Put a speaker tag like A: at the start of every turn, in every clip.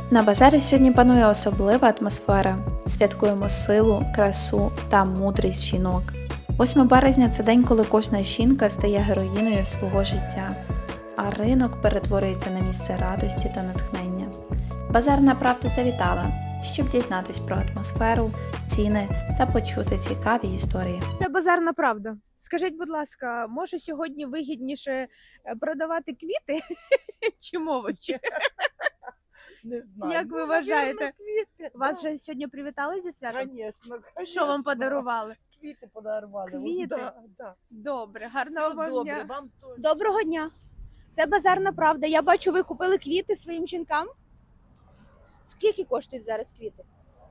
A: На базарі сьогодні панує особлива атмосфера. Святкуємо силу, красу та мудрість жінок. 8 березня – це день, коли кожна жінка стає героїною свого життя, а ринок перетворюється на місце радості та натхнення. Базарна правда завітала, щоб дізнатись про атмосферу, ціни та почути цікаві історії.
B: Це базарна правда. Скажіть, будь ласка, може сьогодні вигідніше продавати квіти чи овочі?
C: Не знаю.
B: Як ви
C: Ну,
B: вважаєте?
C: наверно, квіти.
B: Вас же сьогодні привітали зі святом?
C: Конечно,
B: Що вам подарували?
C: Квіти подарували.
B: Квіти?
C: Да.
B: Добре,
C: Все
B: гарного вам
C: добре,
B: дня.
C: вам теж.
B: Доброго дня. Це базарна правда. Я бачу, ви купили квіти своїм жінкам. Скільки коштують зараз квіти?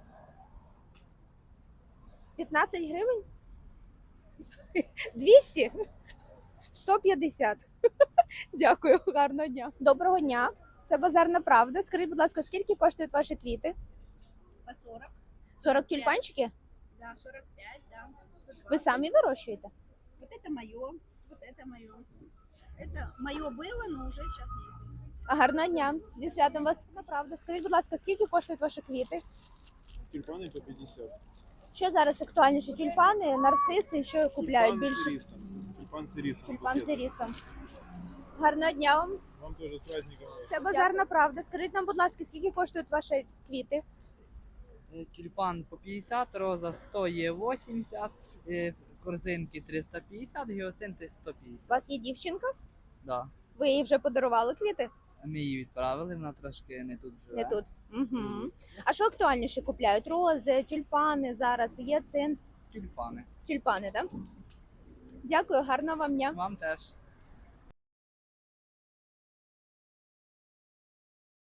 B: 15 гривень? 200? 150. Дякую, гарного дня. Доброго дня. Це базарна правда. Скажіть, будь ласка, скільки коштують ваші квіти?
D: По 40,
B: 40 тюльпанчики?
D: да, 45, да. 120.
B: Ви самі вирощуєте?
D: Вот это мое, вот это мое. Это мое было, но уже сейчас нет.
B: А гарного дня. Зі святом вас, правда. Скажіть, будь ласка, скільки коштують ваші квіти?
E: Тюльпани по 50.
B: Що зараз актуальніше? Тюльпани, нарциси, що купляють
E: Тюльпан
B: більше?
E: з рисом. Тюльпан з рисом.
B: Тюльпан з
E: букет.
B: рисом. Гарного дня вам.
E: Вам теж з праздником.
B: Це базарна правда. Скажіть нам, будь ласка, скільки коштують ваші квіти?
F: Тюльпан по 50, роза 100 є 80, корзинки 350, гіоцинти
B: У
F: 150.
B: вас є дівчинка?
F: Да.
B: Ви їй вже подарували квіти?
F: Ми її відправили, вона трошки не тут живе.
B: Не тут. Угу. А що актуальніше купляють? Рози, тюльпани зараз, є цин.
F: Тюльпани.
B: Тюльпани, так? Дякую, гарного вам дня.
F: Вам теж.